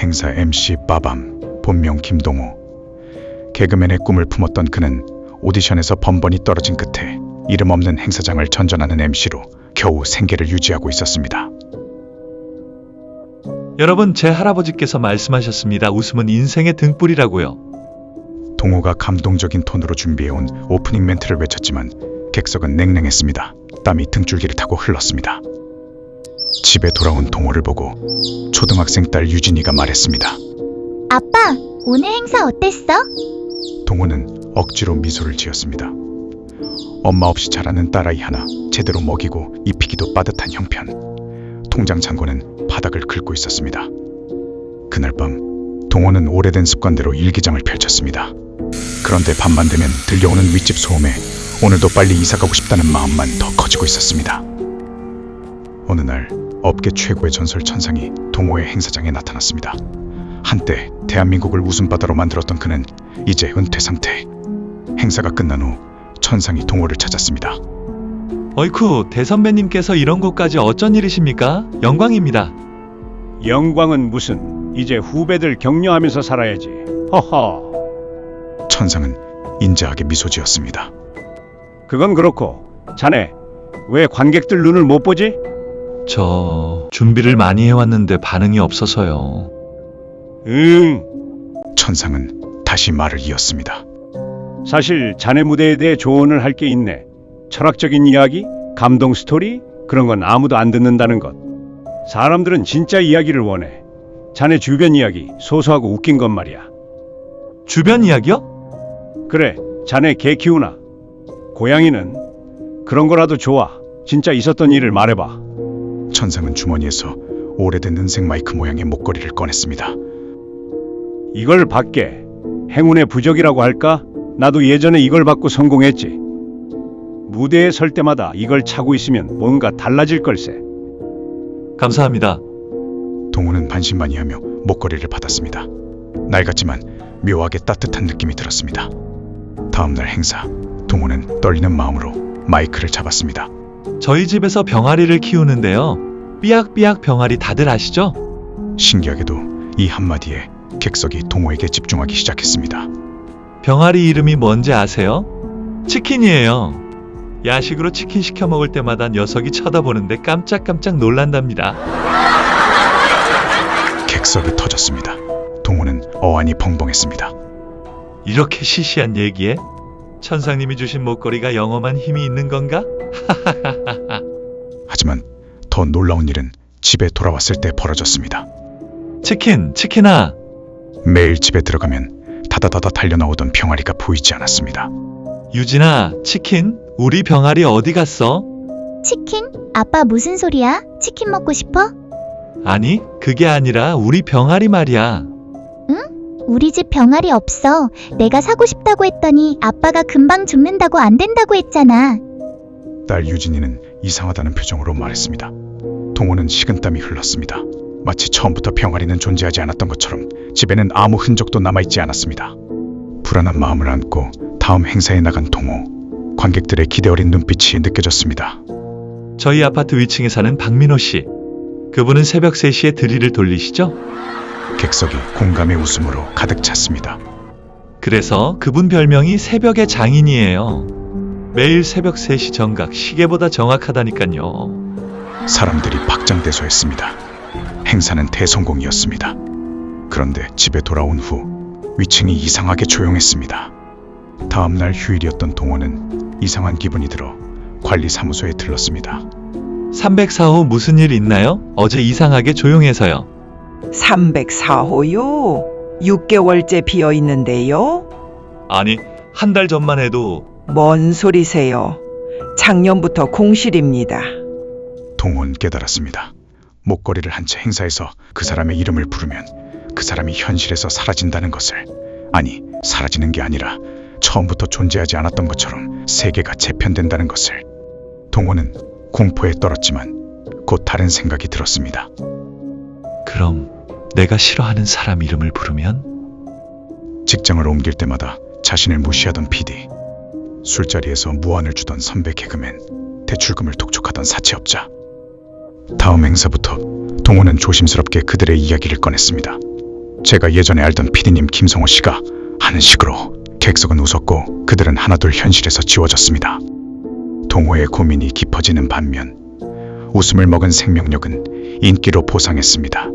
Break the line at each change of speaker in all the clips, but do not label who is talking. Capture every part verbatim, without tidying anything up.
행사 엠씨 빠밤, 본명 김동호. 개그맨의 꿈을 품었던 그는 오디션에서 번번이 떨어진 끝에 이름 없는 행사장을 전전하는 엠씨로 겨우 생계를 유지하고 있었습니다.
여러분, 제 할아버지께서 말씀하셨습니다. 웃음은 인생의 등불이라고요.
동호가 감동적인 톤으로 준비해온 오프닝 멘트를 외쳤지만 객석은 냉랭했습니다. 땀이 등줄기를 타고 흘렀습니다. 집에 돌아온 동호를 보고 초등학생 딸 유진이가 말했습니다.
아빠, 오늘 행사 어땠어?
동호는 억지로 미소를 지었습니다. 엄마 없이 자라는 딸아이 하나 제대로 먹이고 입히기도 빠듯한 형편. 통장 잔고는 바닥을 긁고 있었습니다. 그날 밤 동호는 오래된 습관대로 일기장을 펼쳤습니다. 그런데 밤만 되면 들려오는 윗집 소음에 오늘도 빨리 이사가고 싶다는 마음만 더 커지고 있었습니다. 어느 날 업계 최고의 전설 천상이 동호의 행사장에 나타났습니다. 한때 대한민국을 웃음바다로 만들었던 그는 이제 은퇴 상태. 행사가 끝난 후 천상이 동호를 찾았습니다.
어이쿠, 대선배님께서 이런 곳까지 어쩐 일이십니까? 영광입니다.
영광은 무슨, 이제 후배들 격려하면서 살아야지. 허허.
천상은 인자하게 미소 지었습니다.
그건 그렇고 자네 왜 관객들 눈을 못 보지?
저 준비를 많이 해왔는데 반응이 없어서요.
응.
천상은 다시 말을 이었습니다.
사실 자네 무대에 대해 조언을 할 게 있네. 철학적인 이야기, 감동 스토리, 그런 건 아무도 안 듣는다는 것. 사람들은 진짜 이야기를 원해. 자네 주변 이야기, 소소하고 웃긴 것 말이야.
주변 이야기요?
그래, 자네 개 키우나? 고양이는? 그런 거라도 좋아. 진짜 있었던 일을 말해봐.
천상은 주머니에서 오래된 은색 마이크 모양의 목걸이를 꺼냈습니다.
이걸 받게. 행운의 부적이라고 할까? 나도 예전에 이걸 받고 성공했지. 무대에 설 때마다 이걸 차고 있으면 뭔가 달라질 걸세.
감사합니다.
동호는 반신반의하며 목걸이를 받았습니다. 낡았지만 묘하게 따뜻한 느낌이 들었습니다. 다음날 행사, 동호는 떨리는 마음으로 마이크를 잡았습니다.
저희 집에서 병아리를 키우는데요. 삐약삐약 병아리 다들 아시죠?
신기하게도 이 한마디에 객석이 동호에게 집중하기 시작했습니다.
병아리 이름이 뭔지 아세요? 치킨이에요. 야식으로 치킨 시켜 먹을 때마다 녀석이 쳐다보는데 깜짝깜짝 놀란답니다.
객석이 터졌습니다. 동호는 어안이 벙벙했습니다.
이렇게 시시한 얘기에 천상님이 주신 목걸이가 영험한 힘이 있는 건가?
하지만 더 놀라운 일은 집에 돌아왔을 때 벌어졌습니다.
치킨, 치킨아.
매일 집에 들어가면 다다다다 달려나오던 병아리가 보이지 않았습니다.
유진아, 치킨? 우리 병아리 어디 갔어?
치킨? 아빠 무슨 소리야? 치킨 먹고 싶어?
아니, 그게 아니라 우리 병아리 말이야.
우리 집 병아리 없어. 내가 사고 싶다고 했더니 아빠가 금방 죽는다고 안 된다고 했잖아.
딸 유진이는 이상하다는 표정으로 말했습니다. 동호는 식은땀이 흘렀습니다. 마치 처음부터 병아리는 존재하지 않았던 것처럼 집에는 아무 흔적도 남아있지 않았습니다. 불안한 마음을 안고 다음 행사에 나간 동호. 관객들의 기대 어린 눈빛이 느껴졌습니다.
저희 아파트 위층에 사는 박민호 씨. 그분은 새벽 세 시에 드릴을 돌리시죠?
객석이 공감의 웃음으로 가득 찼습니다.
그래서 그분 별명이 새벽의 장인이에요. 매일 새벽 세 시 정각, 시계보다 정확하다니까요.
사람들이 박장대소했습니다. 행사는 대성공이었습니다. 그런데 집에 돌아온 후 위층이 이상하게 조용했습니다. 다음날 휴일이었던 동호는 이상한 기분이 들어 관리사무소에 들렀습니다.
삼백사 호 무슨 일 있나요? 어제 이상하게 조용해서요.
삼백사 호요? 육 개월째 비어 있는데요?
아니, 한 달 전만 해도.
뭔 소리세요? 작년부터 공실입니다.
동호는 깨달았습니다. 목걸이를 한 채 행사에서 그 사람의 이름을 부르면 그 사람이 현실에서 사라진다는 것을, 아니 사라지는 게 아니라 처음부터 존재하지 않았던 것처럼 세계가 재편된다는 것을. 동호는 공포에 떨었지만 곧 다른 생각이 들었습니다.
그럼 내가 싫어하는 사람 이름을 부르면?
직장을 옮길 때마다 자신을 무시하던 피디, 술자리에서 무안을 주던 선배 개그맨, 대출금을 독촉하던 사채업자. 다음 행사부터 동호는 조심스럽게 그들의 이야기를 꺼냈습니다. 제가 예전에 알던 피디님 김성호 씨가 하는 식으로 객석은 웃었고 그들은 하나둘 현실에서 지워졌습니다. 동호의 고민이 깊어지는 반면 웃음을 먹은 생명력은 인기로 보상했습니다.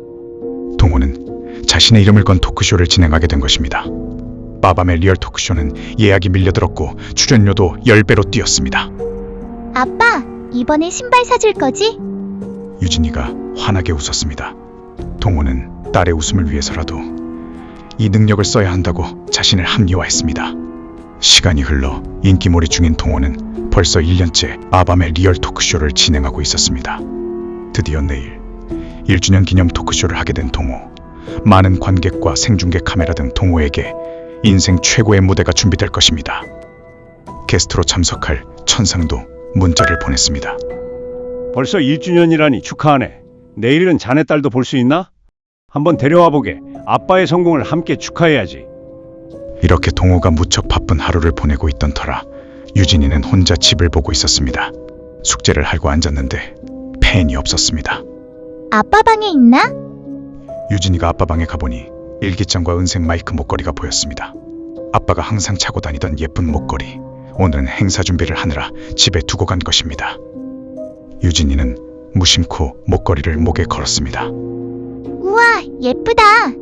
동호는 자신의 이름을 건 토크쇼를 진행하게 된 것입니다. 빠밤의 리얼 토크쇼는 예약이 밀려들었고 출연료도 십 배로 뛰었습니다.
아빠, 이번에 신발 사줄 거지?
유진이가 환하게 웃었습니다. 동호는 딸의 웃음을 위해서라도 이 능력을 써야 한다고 자신을 합리화했습니다. 시간이 흘러 인기몰이 중인 동호는 벌써 일 년째 빠밤의 리얼 토크쇼를 진행하고 있었습니다. 드디어 내일 일 주년 기념 토크쇼를 하게 된 동호. 많은 관객과 생중계 카메라 등 동호에게 인생 최고의 무대가 준비될 것입니다. 게스트로 참석할 천상도 문자를 보냈습니다.
벌써 일 주년이라니 축하하네. 내일은 자네 딸도 볼 수 있나? 한번 데려와 보게. 아빠의 성공을 함께 축하해야지.
이렇게 동호가 무척 바쁜 하루를 보내고 있던 터라 유진이는 혼자 집을 보고 있었습니다. 숙제를 하고 앉았는데 펜이 없었습니다.
아빠 방에 있나?
유진이가 아빠 방에 가보니 일기장과 은색 마이크 목걸이가 보였습니다. 아빠가 항상 차고 다니던 예쁜 목걸이. 오늘은 행사 준비를 하느라 집에 두고 간 것입니다. 유진이는 무심코 목걸이를 목에 걸었습니다.
우와, 예쁘다.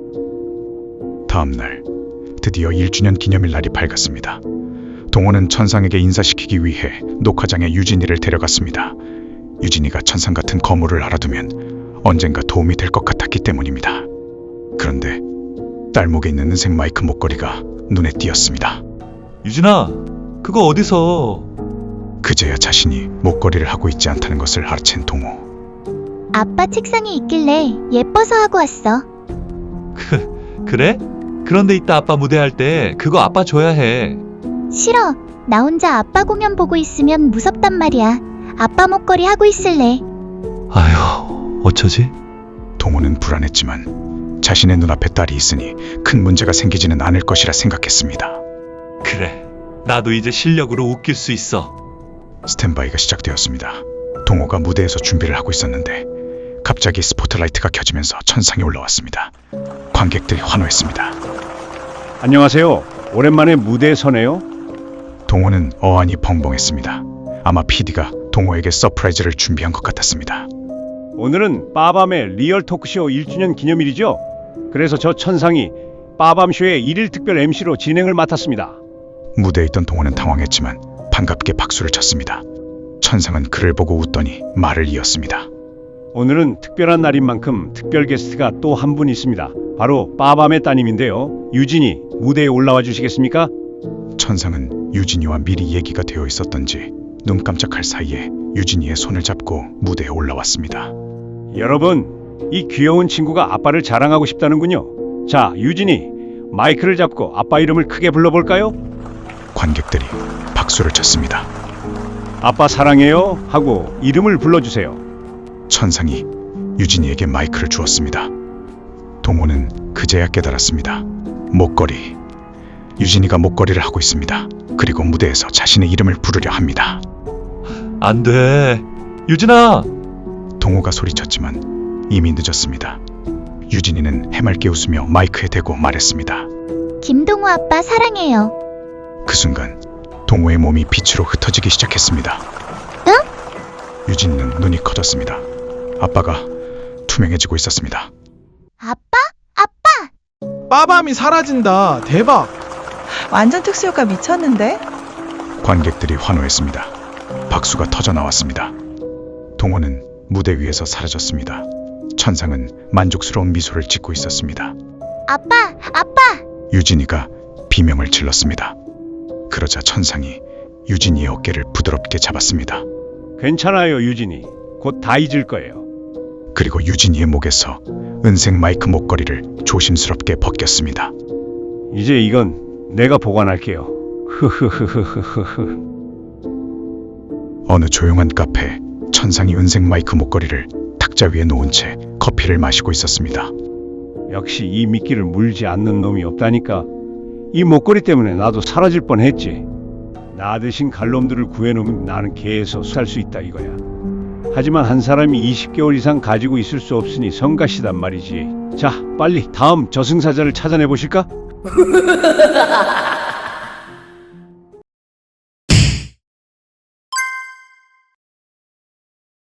다음 날 드디어 일 주년 기념일 날이 밝았습니다. 동호는 천상에게 인사시키기 위해 녹화장에 유진이를 데려갔습니다. 유진이가 천상 같은 거물을 알아두면 언젠가 도움이 될 것 같았기 때문입니다. 그런데 딸 목에 있는 은색 마이크 목걸이가 눈에 띄었습니다.
유진아, 그거 어디서?
그제야 자신이 목걸이를 하고 있지 않다는 것을 알아챈 동호.
아빠 책상에 있길래 예뻐서 하고 왔어.
그, 그래? 그런데 이따 아빠 무대할 때 그거 아빠 줘야 해.
싫어. 나 혼자 아빠 공연 보고 있으면 무섭단 말이야. 아빠 목걸이 하고 있을래.
아휴, 어쩌지?
동호는 불안했지만 자신의 눈앞에 딸이 있으니 큰 문제가 생기지는 않을 것이라 생각했습니다.
그래, 나도 이제 실력으로 웃길 수 있어.
스탠바이가 시작되었습니다. 동호가 무대에서 준비를 하고 있었는데 갑자기 스포트라이트가 켜지면서 천상에 올라왔습니다. 관객들이 환호했습니다.
안녕하세요. 오랜만에 무대에 서네요.
동호는 어안이 벙벙했습니다. 아마 피디가 동호에게 서프라이즈를 준비한 것 같았습니다.
오늘은 빠밤의 리얼 토크쇼 일 주년 기념일이죠. 그래서 저 천상이 빠밤쇼의 일일 특별 엠시로 진행을 맡았습니다.
무대에 있던 동호는 당황했지만 반갑게 박수를 쳤습니다. 천상은 그를 보고 웃더니 말을 이었습니다.
오늘은 특별한 날인 만큼 특별 게스트가 또 한 분 있습니다. 바로 빠밤의 따님인데요. 유진이 무대에 올라와 주시겠습니까?
천상은 유진이와 미리 얘기가 되어 있었던지 눈 깜짝할 사이에 유진이의 손을 잡고 무대에 올라왔습니다.
여러분, 이 귀여운 친구가 아빠를 자랑하고 싶다는군요. 자, 유진이 마이크를 잡고 아빠 이름을 크게 불러볼까요?
관객들이 박수를 쳤습니다.
아빠 사랑해요 하고 이름을 불러주세요.
천상이 유진이에게 마이크를 주었습니다. 동호는 그제야 깨달았습니다. 목걸이. 유진이가 목걸이를 하고 있습니다. 그리고 무대에서 자신의 이름을 부르려 합니다.
안 돼. 유진아!
동호가 소리쳤지만 이미 늦었습니다. 유진이는 해맑게 웃으며 마이크에 대고 말했습니다.
김동호 아빠 사랑해요.
그 순간 동호의 몸이 빛으로 흩어지기 시작했습니다.
응?
유진이는 눈이 커졌습니다. 아빠가 투명해지고 있었습니다.
아빠? 아빠!
빠밤이 사라진다. 대박.
완전 특수효과 미쳤는데?
관객들이 환호했습니다. 박수가 터져 나왔습니다. 동호는 무대 위에서 사라졌습니다. 천상은 만족스러운 미소를 짓고 있었습니다.
아빠! 아빠!
유진이가 비명을 질렀습니다. 그러자 천상이 유진이의 어깨를 부드럽게 잡았습니다.
괜찮아요, 유진이. 곧 다 잊을 거예요.
그리고 유진이의 목에서 은색 마이크 목걸이를 조심스럽게 벗겼습니다.
이제 이건 내가 보관할게요. 흐흐흐흐흐흐.
어느 조용한 카페, 천상이 은색 마이크 목걸이를 탁자 위에 놓은 채 커피를 마시고 있었습니다.
역시 이 미끼를 물지 않는 놈이 없다니까. 이 목걸이 때문에 나도 사라질 뻔했지. 나 대신 갈놈들을 구해놓으면 나는 계속 살 수 있다 이거야. 하지만 한 사람이 이십 개월 이상 가지고 있을 수 없으니 성가시단 말이지. 자, 빨리 다음 저승사자를 찾아내 보실까?